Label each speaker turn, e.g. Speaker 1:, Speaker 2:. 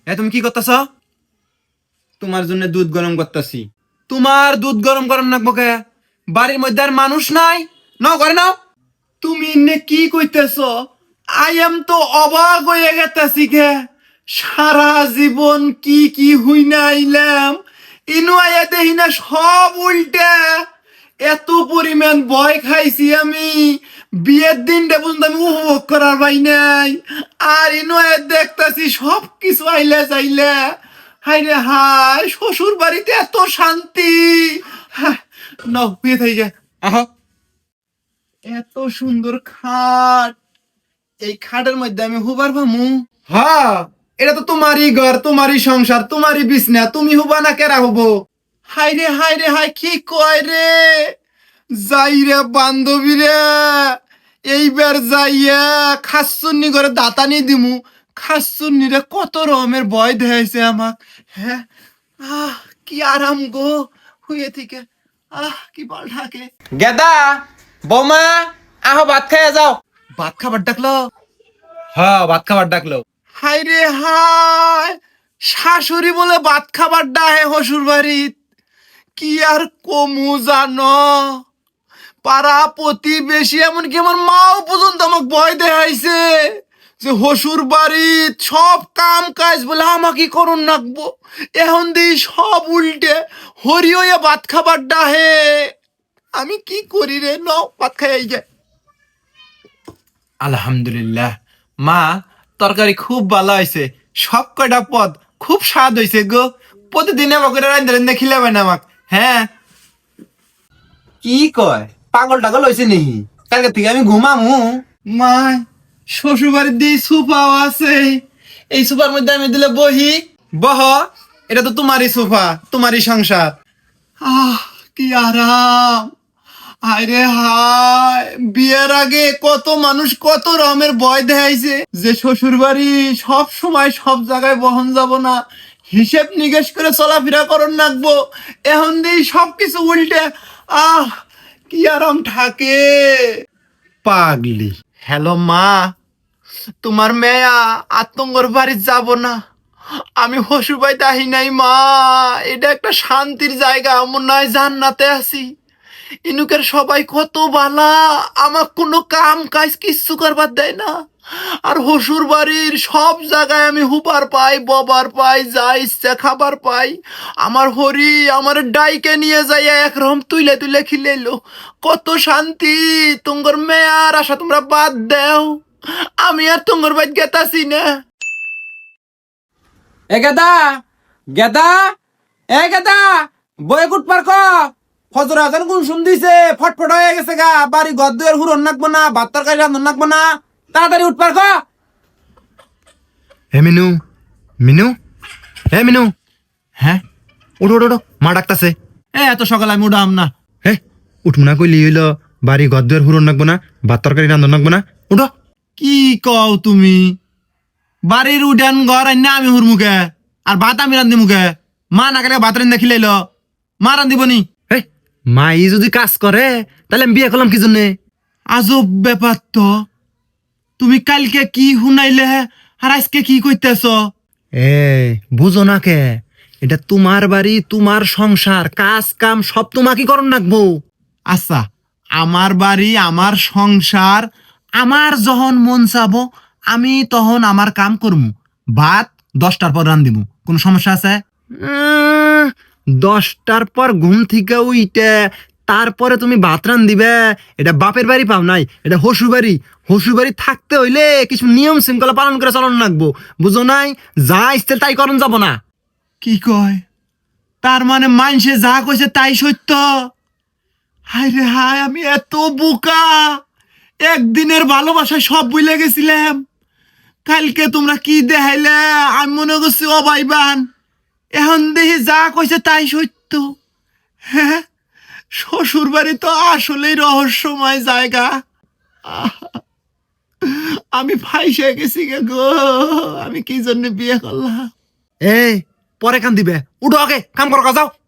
Speaker 1: তুমি কি করতেছ? তোমার জন্য দুধ গরম করতেছি। তোমার দুধ গরম করার নাকবো কে? বাড়ির মধ্যে আর মানুষ নাই, নাও করে নাও। তুমি ইন্নে কি কইতেছ? আই এম তো অবাক হয়ে গেতাছি কে। সারা জীবন কি কি হুই না আইলাম, ইনু আয়া দেখি না সব উল্টা। এত পরিমাণ ভয় খাইছি আমি, বিয়ের দিনটা পর্যন্ত আমি উপভোগ করার পাই নাই। আর ইনু আয়া দেখতাছি সব কিছু আইলা চাইলা। হাই রে হাই, শ্বশুর বাড়িতে এত শান্তি। নাও বিয়ে থাই গে। আহ, এত সুন্দর খাট, এই খাটের মধ্যে আমি হুবার ভামু? হ্যাঁ, এটা তো তোমারই ঘর, তোমারই সংসার, তোমারই বিছনা, তুমি হুবা না কেরা হবো? হাই রে হাই রে হাই, কি কয় রে? যাই রে বান্ধবী রে, এইবার যাইয়া খাসুন্নি করে দাতানি দিমু। খাসুন্নি রে কত রকমের ভয় দেখাইছে আমাক। হ্যাঁ, আহ কি আরাম গো হুয়ে থেকে। কি বল ঢাকে।
Speaker 2: গেদা, বৌমা, আহো ভাত খাইয়া যাও।
Speaker 1: ভাত খাবার ডাকলো? হ্যাঁ, ভাত খাবার ডাকলো। হাই রে হাই, শাশুড়ি বলে ভাত খাবার ডাহে হসুর বাড়িত। কি আর কমু জানো, পাড়া প্রতিবেশী এমনকি আমার মাও পর্যন্ত আমাকে ভয় দেখাইছে যে হসুর বাড়িত সব কাম কাজ বলে আমাকে করুন নাকবো। এখন দিই সব উল্টে হরি হইয়া ভাত খাবার ডাহে। আমি কি করি রে? নাও ভাত খাই যায়। আলহামদুলিল্লাহ মা, তরকারি খুব ভালো হয়েছে, সব কয়টা পদ খুব স্বাদ হয়েছে গো। প্রতিদিন আমাকে রান্ধে রান্ধে খিলাবে না আমাক। হ্যাঁ।
Speaker 2: কি কয়, পাগল টাগল হয়েছে নেহি? কালকে থেকে আমি ঘুমামু।
Speaker 1: মা, শ্বশুর বাড়ির দিয়ে সোফাও আছে, এই সোফার মধ্যে আমি দিলে বহি। বহ, এটা তো তোমারই সোফা, তোমারই সংসার। কি আরাম। হায় রে হায়, বিয়ের আগে কত মানুষ কত রকমের ভয় দেখাইছে যে শ্বশুর বাড়ি সব সময় সব জায়গায় বহন যাব না, হিসেব নিকেশ করে চলাফেরা করন রাখবো। এখন দিই সবকিছু উল্টে। কি আরাম থাকে। পাগলি। হ্যালো মা, তোমার মেয়া আতঙ্গর বাড়ি যাব না, আমি হসুর বাড়িতে আহি নাই মা। এটা একটা শান্তির জায়গা, মনে হয় জান্নাতে আছি। ইনুকের সবাই কত বালা, আমার কোনো কাম কাজ কিচ্ছু করবার দেয় না। আর হসুর বাড়ির সব জায়গায় আমি হুপার পাই, ববার পাই, যা ইচ্ছা খাবার পাই। আমার হরি আমার ডাইকে নিয়ে যাই একরকম তুইলে তুইলে খিলেলো। কত শান্তি। তুঙ্গর মেয়ার আশা তোমরা বাদ দেও, আমি আর তুঙ্গর বাইত গেতাছি না।
Speaker 2: এ গেদা, গেদা, এ গেদা, বয়ে কুট পার ক। ফজর আজান কোন শুন দিছে, ফটফট হয়ে গেছে গা। বাড়ি ঘর দুয়ার হুরন নাকবো না, ভাত তরকারি রান্ধন নাকবো না। তাড়াতাড়ি উঠ পার ক।
Speaker 1: হে মিনু, মিনু, হে মিনু। হ্যাঁ, উঠো উঠো উঠো, মা ডাকতাছে। এত সকালে আমি উঠাম না। হে, উঠবো না কইলি হইল, বাড়ি ঘর দুয়ার হুরন নাকবো না, ভাত তরকারি রান্ধন নাকবো না, উঠো। কি কও তুমি? বাড়ির উঠান ঘর আইনা আমি হুর মুখে, আর ভাত আমি রান্ধি মুখে। মা না গেলে ভাত রান্ধা খিলাইল, মা রান্ধিবনি। মা ই যদি কাজ করে তাহলে আমি বিয়ে করলাম কি জন্যে? আজব ব্যাপার তো। তুমি কালকে কি শুনাইলে আর আজকে কি কইতেছ? বুঝো না কে, এটা তোমার বাড়ি, তোমার সংসার, কাজ কাম সব তোমাকে করন রাখবো। আচ্ছা, আমার বাড়ি, আমার সংসার, আমার যখন মন চাবো আমি তখন আমার কাম করমু। ভাত 10টার পর রান্ধিমু, কোনো সমস্যা আছে? 10টার পর ঘুম থেকে উইটে তারপরে তুমি ভাত রান্ধিবে, এটা বাপের বাড়ি পাও নাই, এটা হসু বাড়ি। হসু বাড়ি থাকতে হইলে কিছু নিয়ম শৃঙ্খলা পালন করে চলন রাখবো, বুঝো নাই? যা ইচ্ছে তাই করন যাব না। কি কয়? তার মানে মানসে যা কইছে তাই সত্য? হায় রে হায়, আমি এত বোকা। একদিনের ভালোবাসায় সব ভুলে গেছিলাম। কালকে তোমরা কি দেখাইলে আমি মনে করছি অবাইবান, এখন দেখি যা কইছে তাই সত্য। হ্যাঁ, শ্বশুর বাড়ি তো আসলেই রহস্যময় জায়গা। আমি ফাইসে গেছি গে গো, আমি কি জন্য বিয়ে করলাম? এই পরে কান দিবে, উঠো আগে কাম করো, যাও।